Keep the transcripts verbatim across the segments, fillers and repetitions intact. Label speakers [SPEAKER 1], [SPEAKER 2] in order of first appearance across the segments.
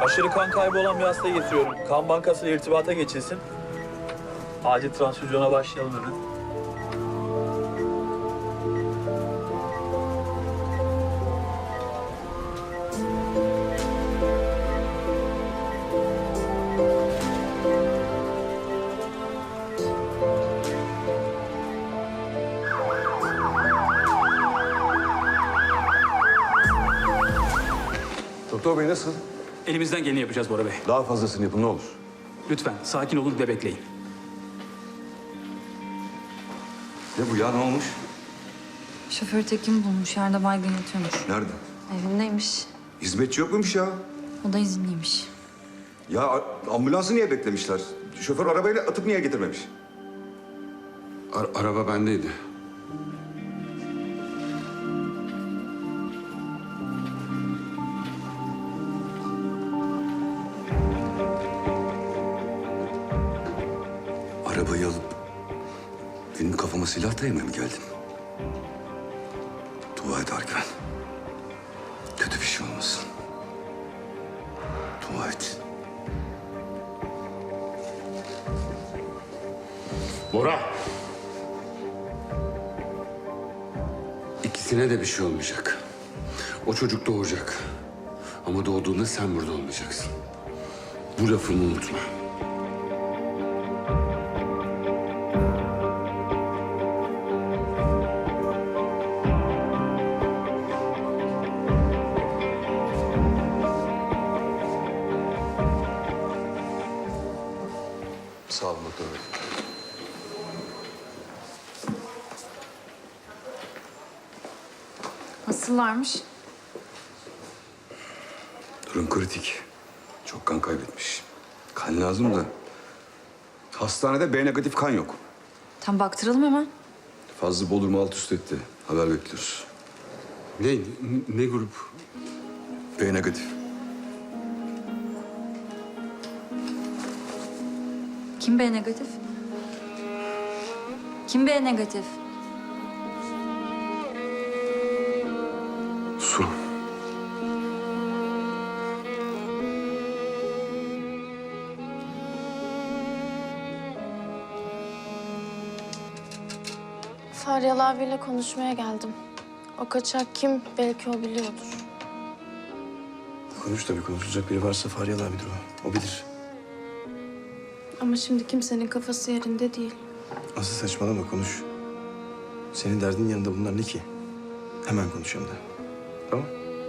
[SPEAKER 1] Aşırı kan kaybı olan bir hasta getiriyorum. Kan bankasıyla irtibata geçilsin. Acil transfüzyona başlayalım hemen.
[SPEAKER 2] Doktor bey nasıl?
[SPEAKER 3] Elimizden geleni yapacağız Bora Bey.
[SPEAKER 2] Daha fazlasını yapın ne olur.
[SPEAKER 3] Lütfen sakin olun ve bekleyin.
[SPEAKER 2] Ne bu ya ne olmuş?
[SPEAKER 4] Şoför Tekin bulmuş. Yerde baygın yatıyormuş.
[SPEAKER 2] Nerede?
[SPEAKER 4] Evindeymiş.
[SPEAKER 2] Hizmetçi yok muymuş ya?
[SPEAKER 4] O da izinliymiş.
[SPEAKER 2] Ya a- ambulansı niye beklemişler? Şoför arabayla atıp niye getirmemiş?
[SPEAKER 5] Ar- araba bendeydi.
[SPEAKER 2] Arabayı alıp benim kafama silah dayamaya mı geldin? Dua et Argüven. Kötü bir şey olmasın. Dua et.
[SPEAKER 5] Bora! İkisine de bir şey olmayacak. O çocuk doğacak. Ama doğduğunda sen burada olmayacaksın. Bu lafımı unutma.
[SPEAKER 2] Sağ olun doktor bey.
[SPEAKER 4] Nasıllarmış?
[SPEAKER 2] Durum kritik. Çok kan kaybetmiş. Kan lazım da. Hastanede B negatif kan yok.
[SPEAKER 4] Tam baktıralım hemen.
[SPEAKER 2] Fazla Bodrum'u alt üst etti. Haber bekliyoruz.
[SPEAKER 5] Ne, ne grup?
[SPEAKER 2] B negatif.
[SPEAKER 4] Kim B negatif? Kim B negatif?
[SPEAKER 2] Su.
[SPEAKER 6] Faryalı abiyle konuşmaya geldim. O kaçak kim belki o biliyordur.
[SPEAKER 7] Konuş tabii, konuşulacak biri varsa Faryalı abidir o. O bilir.
[SPEAKER 6] Ama şimdi kimsenin kafası yerinde değil.
[SPEAKER 7] Asıl saçmalama, konuş. Senin derdin yanında bunlar ne ki? Hemen konuş hem de. Tamam?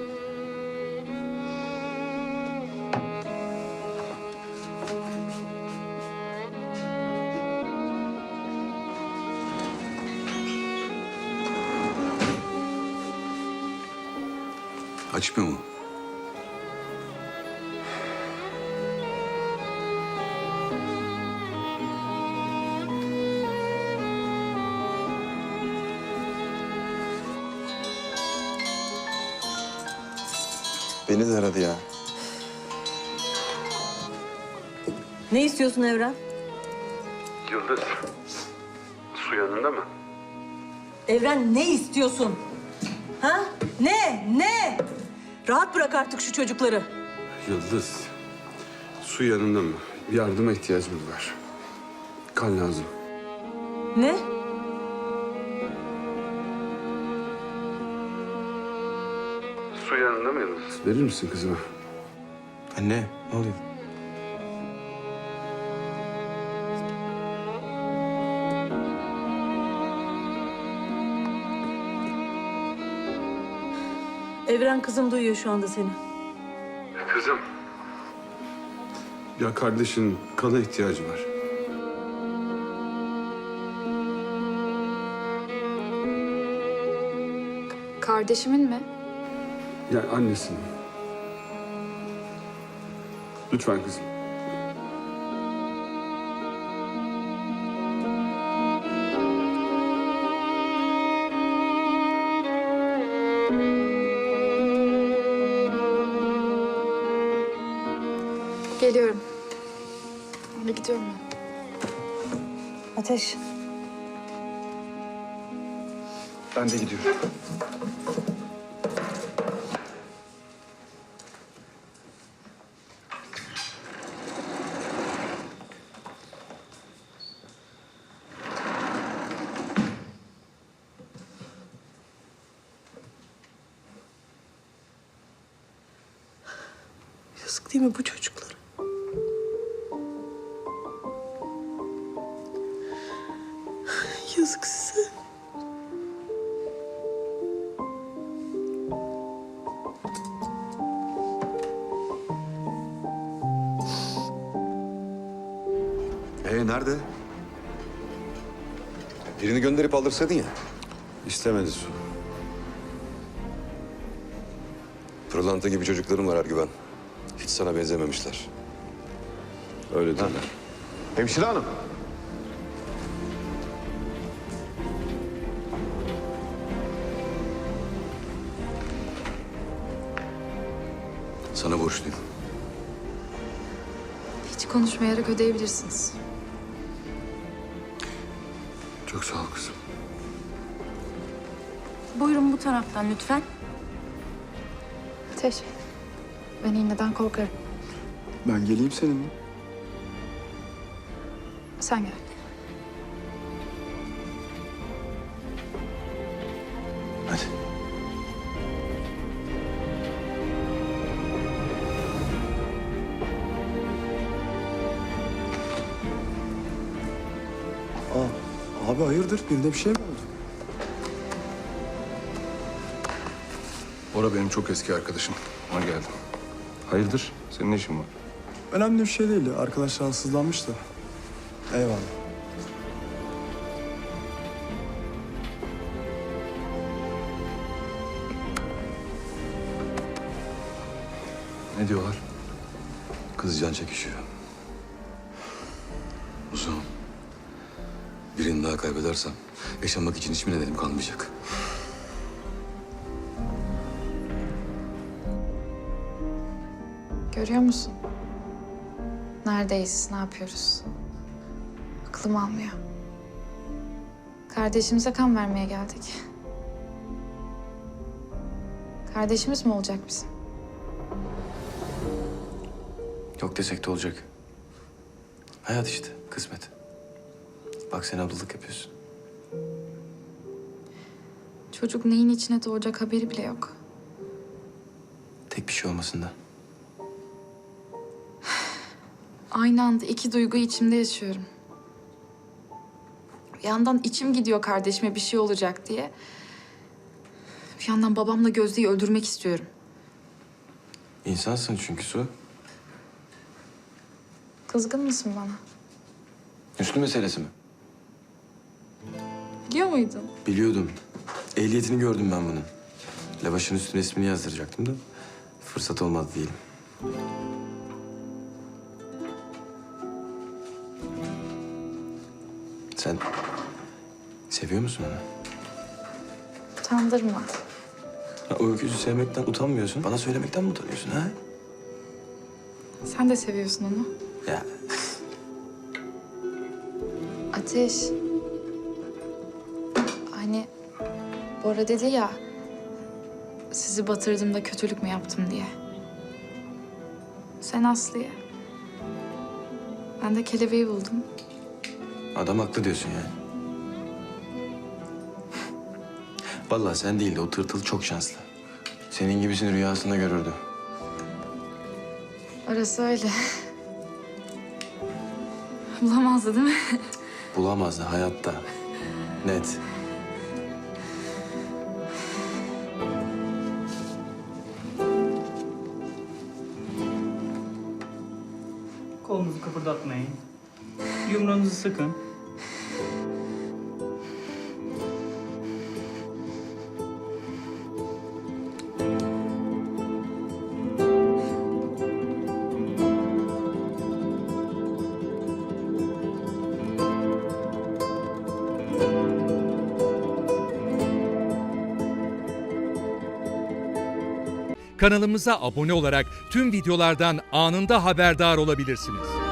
[SPEAKER 2] Açmıyor mu?
[SPEAKER 7] Beni de aradı ya.
[SPEAKER 8] Ne istiyorsun Evren?
[SPEAKER 5] Yıldız, su yanında mı?
[SPEAKER 8] Evren ne istiyorsun? Ha? Ne? Ne? Rahat bırak artık şu çocukları.
[SPEAKER 5] Yıldız, su yanında mı? Yardıma ihtiyacımız var. Kan lazım.
[SPEAKER 8] Ne?
[SPEAKER 5] Su yanında mı Yıldız? Verir misin kızıma?
[SPEAKER 7] Anne, ne oluyor?
[SPEAKER 8] Evren kızım duyuyor şu anda seni.
[SPEAKER 5] Kızım. Ya kardeşin kana ihtiyacı var.
[SPEAKER 4] Kardeşimin mi?
[SPEAKER 5] Yani annesinin. Lütfen kızım.
[SPEAKER 4] Geliyorum. Hadi gidiyorum ben.
[SPEAKER 8] Ateş.
[SPEAKER 7] Ben de gidiyorum.
[SPEAKER 9] değil mi bu çocuklara? Yazık size.
[SPEAKER 2] Ee nerede? Birini gönderip aldırsaydın ya.
[SPEAKER 7] İstemedi Su.
[SPEAKER 2] Pırlanta gibi çocuklarım var Ergüven. Hiç sana benzememişler.
[SPEAKER 7] Öyle derler.
[SPEAKER 2] Hemşire hanım. Sana borçluyum.
[SPEAKER 4] Hiç konuşmayarak ödeyebilirsiniz.
[SPEAKER 2] Çok sağ ol kızım.
[SPEAKER 4] Buyurun bu taraftan lütfen. Ateş. Ben iğneden korkarım.
[SPEAKER 7] Ben geleyim seninle.
[SPEAKER 4] Sen gel.
[SPEAKER 7] Hadi. Aa, abi hayırdır? Birinde bir şey mi oldu?
[SPEAKER 10] Bora benim çok eski arkadaşım. Ona geldim. Hayırdır? Senin ne işin var?
[SPEAKER 7] Önemli bir şey değil. Arkadaş rahatsızlanmış da. Eyvallah.
[SPEAKER 2] Ne diyorlar? Kız can çekişiyor. Uzun. Birini daha kaybedersem yaşamak için hiçbir nedenim kalmayacak.
[SPEAKER 4] Görüyor musun? Neredeyiz, ne yapıyoruz? Aklım almıyor. Kardeşimize kan vermeye geldik. Kardeşimiz mi olacak bizim?
[SPEAKER 7] Yok desek de olacak. Hayat işte, kısmet. Bak sen ablalık yapıyorsun.
[SPEAKER 4] Çocuk neyin içine doğacak haberi bile yok.
[SPEAKER 7] Tek bir şey olmasın da.
[SPEAKER 4] Aynı anda iki duygu içimde yaşıyorum. Bir yandan içim gidiyor kardeşime bir şey olacak diye. Bir yandan babamla Gözde'yi öldürmek istiyorum.
[SPEAKER 7] İnsansın çünkü Su.
[SPEAKER 4] Kızgın mısın bana?
[SPEAKER 7] Üstü meselesi mi?
[SPEAKER 4] Biliyor muydun?
[SPEAKER 7] Biliyordum. Ehliyetini gördüm ben bunun. Lavaşın üstüne ismini yazdıracaktım da fırsat olmadı diyelim. Sen seviyor musun onu?
[SPEAKER 4] Utandırma.
[SPEAKER 7] Ha, o öküzü sevmekten utanmıyorsun. Bana söylemekten mi utanıyorsun ha?
[SPEAKER 4] Sen de seviyorsun onu.
[SPEAKER 7] Ya
[SPEAKER 4] Ateş. Hani Bora dedi ya, sizi batırdığımda kötülük mü yaptım diye. Sen Aslı'ya. Ben de kelebeği buldum.
[SPEAKER 7] adam haklı diyorsun yani. Vallahi sen değil de o tırtıl çok şanslı. Senin gibisini rüyasında görürdü.
[SPEAKER 4] Orası öyle. Bulamazdı değil mi?
[SPEAKER 7] Bulamazdı hayatta. Net.
[SPEAKER 11] Kolunuzu kıpırdatmayın. Yumruğunuzu sıkın.
[SPEAKER 12] Kanalımıza abone olarak tüm videolardan anında haberdar olabilirsiniz.